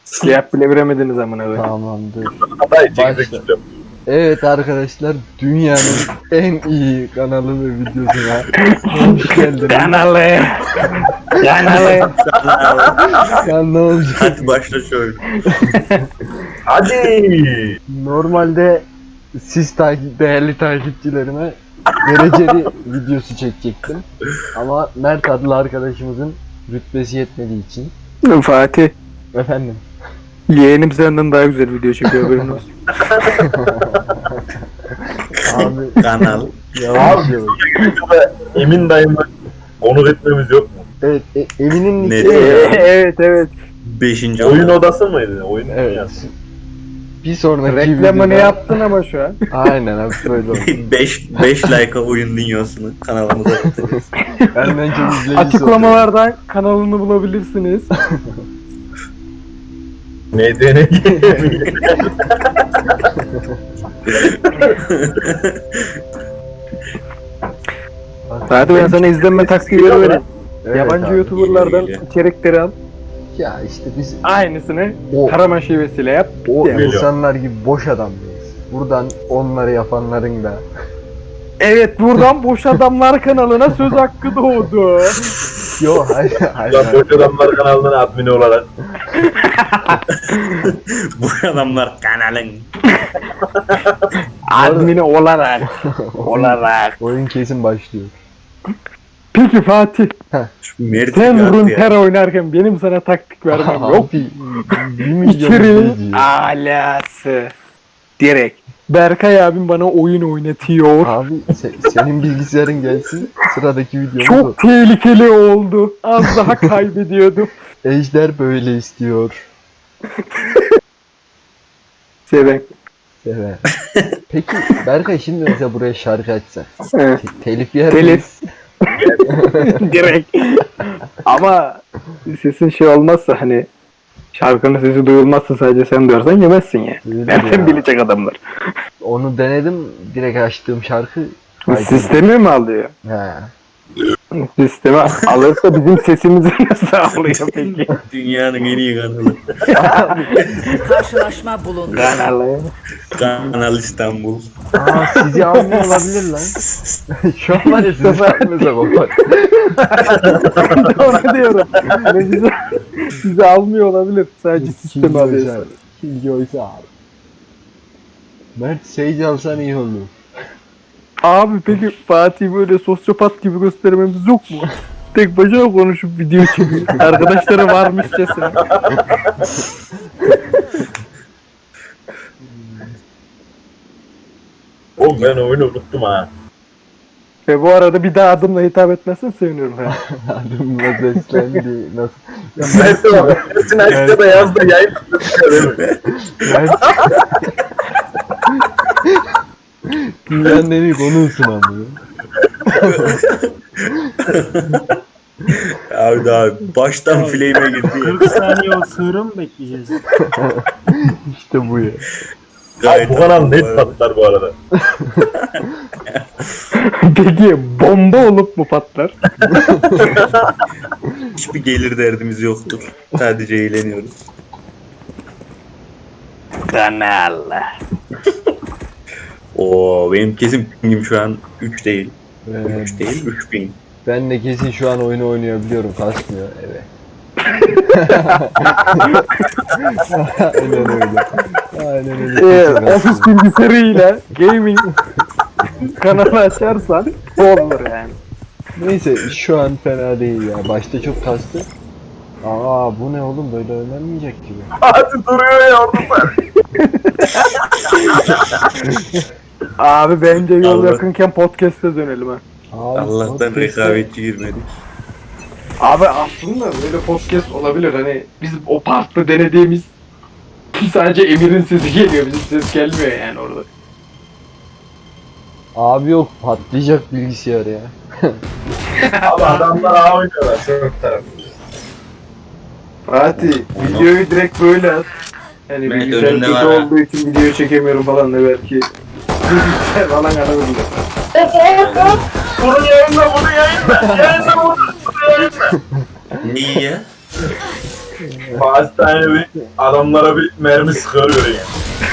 Siyah bile veremediniz amına koyayım. Tamamdır. Hatta Başla. çekecek. Evet arkadaşlar, dünyanın en iyi kanalı ve videosuna hoş geldiniz. Kanalı. Kanalı. Ya ne olacak? Hadi başla şöyle. Hadi. Normalde siz değerli takipçilerime dereceli videosu çekecektim. Ama Mert adlı arkadaşımızın rütbesi yetmediği için. Fatih. Efendim. Yeğenim senden daha güzel video çekiyor haberin olsun. Abi Kanal. yavaş Abi. yavaş. Emin dayımla onur etmemiz yok mu? Evet, Emin'in Ne? nicki. Evet evet. 5. Oyun odası mıydı? Oyun Evet. dünyası. Bir sonraki Reklamını videoda- yaptın ama şu an. Aynen abi böyle oldu. 5 like'a oyun dünyasını kanalımıza atacağız. Benden çok izleyicisi Açıklamalardan kanalını bulabilirsiniz. Neydi ne? oluyor. Fatih ben sana izlenme taktikleri vereyim. Evet Yabancı abi. YouTuber'lardan geliyor. içerikleri al. Ya işte biz Aynısını o, Karaman şivesiyle yap. o Geliyor. insanlar gibi boş adam mıyız? Buradan onları yapanların da Evet buradan Boş Adamlar kanalına söz hakkı doğdu. Yo hayır hayır. Lan Boş Adamlar kanalının admini olarak. Bu adamlar kanalın. Admini olarak. olarak. Oyun kesin başlıyor. Peki Fatih Şu Mert sen gibi attı ya. Runeterra oynarken benim sana taktik vermem yok. Abi 1 milyon İçeriğin izleyici. alası. Direkt. Berkay abim bana oyun oynatıyor. Abi senin bilgisayarın gelsin sıradaki videomuz o. Çok tehlikeli oldu. Az daha kaybediyordum. Ejder böyle istiyor. Seven. Evet. Peki Berkay şimdi mesela buraya şarkı açsak. Evet. Telif yer Telif. miyiz? Direkt. Ama sesin şey olmazsa hani şarkının sesi duyulmazsa sadece sen duyarsan yemezsin ya. Duyulur Nereden ya. bilecek adamlar? Onu denedim, direkt açtığım şarkı kaydırdı. Sistemi mi alıyor? He. Sistemi alırsa bizim sesimizi nasıl alıyor peki? Dünyanın en iyi kanalı. Karşılaşma bulundu. Kanalı. Kanal İstanbul. Aa sizi almıyor olabilir lan. Şu an var ya sizi almıyorsa kopar. Onu diyorum. Yani sizi almıyor olabilir. Sadece sistemi alıyor. Killjoy'sa abi. Mert Sage alsan iyi olur. Abi peki Fatih böyle sosyopat gibi göstermemiz yok mu? Tek başına konuşup video çekiyor. Arkadaşları varmışçasına. Oğlum ben oyunu unuttum ha. Ve bu arada bir daha adımla hitap etmezsen sevinirim. Ha. Adımla seslendi. Nasıl? Ya Mert de var. Mert'in açta da yazdı yayın. Mert... Dünyanın en iyi konuğusun ama. Abi daha baştan flame'e girdi ya. 40 saniye o sığırı mı bekleyeceğiz? İşte bu ya. Abi bu kanal net arada. patlar bu arada. Peki bomba olup mu patlar? Hiçbir gelir derdimiz yoktur. Sadece eğleniyoruz. Kanal. Oo benim kesin pingim şu an 3 değil. Ee, 3 değil 3000. ben de kesin şu an oyunu oynayabiliyorum. Kasmıyor. Evet. Aynen öyle. Aynen öyle. Ofis bilgisayarıyla gaming kanalı açarsan olur yani. Neyse şu an fena değil ya. Başta çok kastı. Aa bu ne oğlum, böyle oynanmayacak gibi. Hadi duruyor ya orada. Abi bence yol Allah. yakınken podcast'e dönelim ha. Abi, Allah'tan podcast'te- rekabetçi girmedik. Abi aslında böyle podcast olabilir hani biz o parkta denediğimiz sadece Emir'in sesi geliyor, bizim ses gelmiyor yani orada. Abi yok, patlayacak bilgisayar ya. Abi adamlar A oynuyorlar. Çok taraf. Fatih videoyu direkt böyle at. Hani Ben bilgisayar önümde kötü var ha. olduğu için video çekemiyorum falan da belki. Bilgisayar falan anabilir. Bunu yayınla, bunu yayınla. Yayınla bunu yayınla. Neyi ya? Hastane bir adamlara bir mermi sıkıyor göreyim.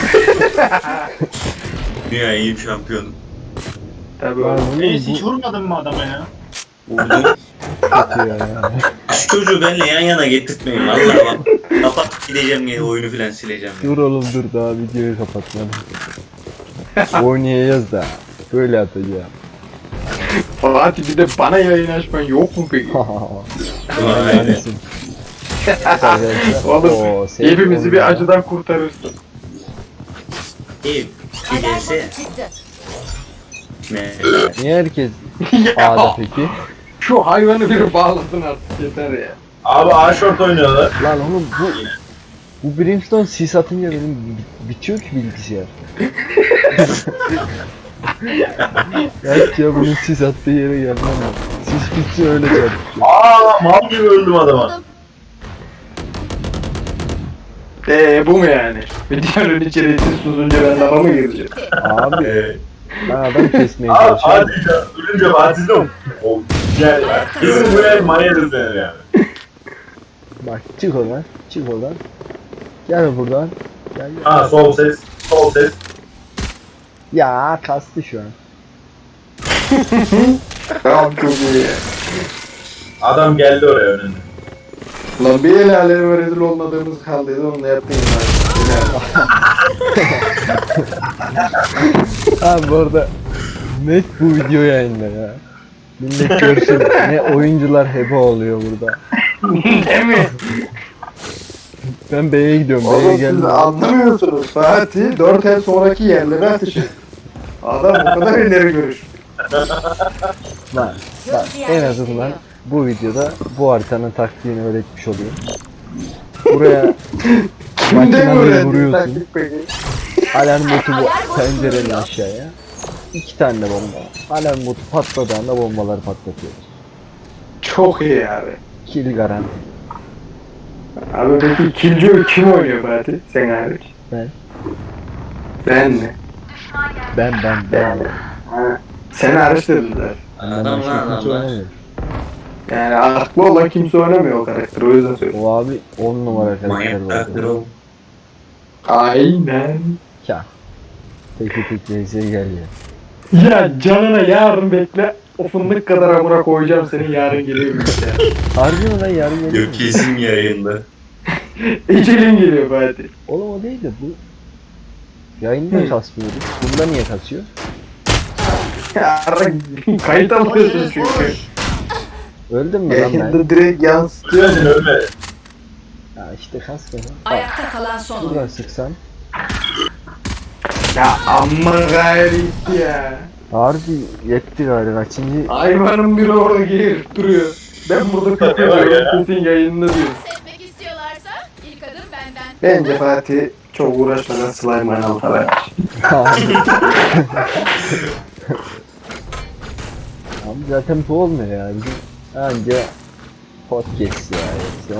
Dünya en iyi şampiyonu. Tabii Lan oğlum. oğlum Reis hiç bu vurmadın mı adama ya? Vurdum. kötü ya. Şu çocuğu benimle yan yana getirtmeyin. Vallahi bak. Kapat gideceğim yine oyunu filan sileceğim. Ya. Dur oğlum dur daha videoyu kapatmadım. Oynayacağız da. Böyle atacağım. Fatih bir de bana yayın açman yok mu peki? Aynen. Neredesin? Arkadaşlar, Oğlum oo, sevgi hepimizi bir oyunu. acıdan kurtarırsın. İyi. Alarm Giderse botu çıktı. ne? Niye herkes Ya, A'da peki? şu hayvanı bir bağlasın artık yeter ya. Abi A-Short oynuyorlar. Lan oğlum bu Brimstone sis atınca benim bitiyor ki bilgisayar. Evet ya bunun sis attığı yere gelmem lazım. Sis bitse öyle çarpıyor. Aa mal gibi öldüm adama. Bu mu yani? Videonun içerisi susunca ben lafa mı gireceğim? Abi ben adam kesmeye Abi çalışıyorum. Fatih ya, ölünce Fatih'im. O gel ya. Kesin buraya manyadır seni yani. Bak çık oradan, çık oradan. Gel buradan. Gel gel. Ha sol ses, sol ses. Ya kastı şu an. Tamam çok iyi ya. Adam geldi oraya önünde. Lan bir el aleme rezil olmadığımız kaldıydı onu da yaptın ya. Abi bu arada net bu video yayında ya. Millet görsün ne oyuncular heba oluyor burada. Değil mi? Ben B'ye gidiyorum. B'ye Oğlum siz geldim. anlamıyorsunuz. Fatih 4 el sonraki yerlere atışı. Adam bu kadar ileri görüş. Bak, bak en azından bu videoda bu haritanın taktiğini öğretmiş oluyor. Buraya Kimde Makineleri öğrendin vuruyorsun. taktik peki? alarm botu bu pencerenin aşağıya. 2 tane de bomba. Alarm botu patladığında bombaları patlatıyoruz. Çok iyi abi. Kill garanti. Abi peki ikinci kim oynuyor Fatih? Sen hariç. Ben. Ben mi? Ben. Ha. Sen hariç dediler. Benden Adam başka lan kimse adamlar. oynamıyor. Yani aklı olan kimse oynamıyor o karakteri o yüzden söylüyorum. O abi 10 numara karakter Manyak karakter var. o. Aynen. Ya. Tek VS'ye gel ya. Ya canına yarın bekle. O fındık kadar amına koyacağım seni yarın geliyor işte. Harbi mi lan yarın geliyor Yok mu? kesin yayında. Ecelin geliyor Fatih. Oğlum o değil de bu. Yayında kasmıyordu. Bunda niye kasıyor? Yarın kayıt alıyorsun çünkü. Öldüm mü lan ben? Yayında direkt yansıtıyor. Ölmedin ölmedi. Ya işte kasmıyor. Bak Ayakta kalan son buradan oyuncu. sıksam. Ya amma gayret ya. Harbi yetti galiba. Kaçıncı? Hayvanın biri orada gelip duruyor. Ben burada kapıyorum kesin yayında diyor. Etmek istiyorlarsa ilk adım benden. Bence Fatih çok uğraşmadan slime analta ver. Abi zaten bu olmuyor ya. Bizim anca podcast ya. Yoksa.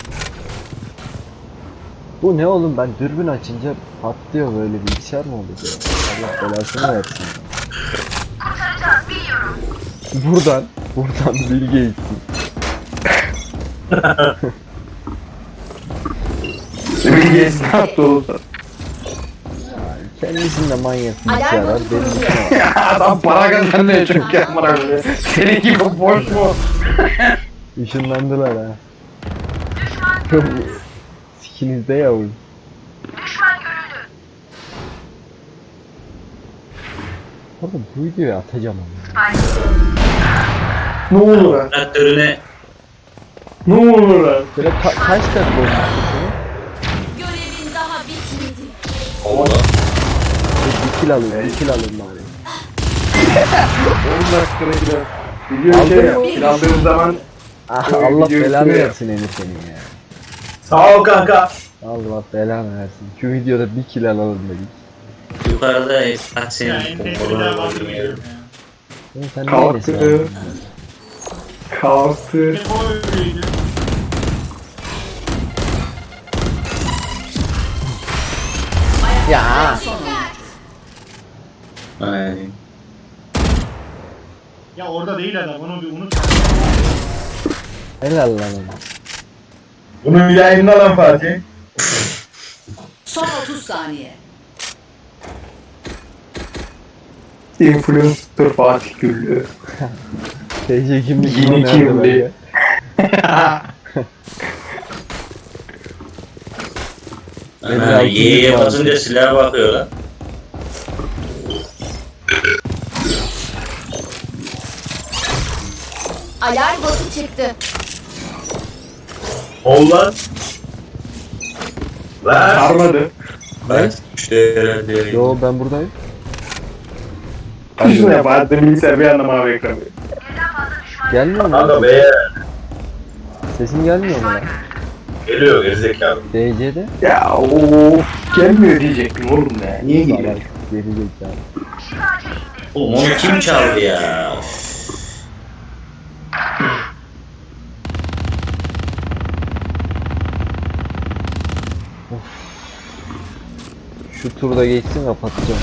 Bu ne oğlum ben dürbün açınca patlıyor böyle bilgisayar mı oldu ya? Allah belasını versin. Buradan Bill Gates'in. Bilgeyiz ne yaptı oldu? Kendisinde manyak Alarm bilgisayar var. botu Benim kuruluyor. Adam para kazanmıyor çünkü amına koyayım. Senin gibi boş mu? ışınlandılar ha. Çok sikinizde yavrum. Oğlum bu videoyu atacağım ama. Ne olur lan? Traktörüne Ne olur lan? Böyle kaç dakika olmuş bu? Görevin daha bitmedi. oğlum. Bir kill alayım, bir kill alayım bari. 10 dakikada gider. Video şey yap. Kilandığın zaman Ah, Böyle Allah videoyu belanı sürüyor. versin Emir senin ya. Sağ ol kanka. Allah belanı versin. Şu videoda bir kill alalım dedik. Yukarıda kaç senin Ya en bir bombalar daha var var ya. Oğlum sen Kalktı. neredesin abi? kalktı. O öyleydi. Ayakta son oyuncu. Ay. Ya orada değil adam onu bir unut. Helal lan ona. Bunu bir yayınla lan Fatih. Son 30 saniye. Influencer Fatih Güllü. TC kimlik Yeni nerede kimliği. bende? Ana Y'ye basınca silaha bakıyor lan. Alarm botu çıktı. Ol lan. Lan. Sarmadı. Ben işte herhalde. Yo ben buradayım. Kışın ya Fatih bilgisayar bir anda mavi ekranı. Gelmiyor mu? Kanka lan? be. Sesin gelmiyor mu lan? Geliyor gerizekalı. DC'de? Ya of gelmiyor diyecektim oğlum ya. Niye Salak. geliyor? Gelecek yani. Oğlum onu kim çaldı ya? Şu turda geçsin kapatacağım.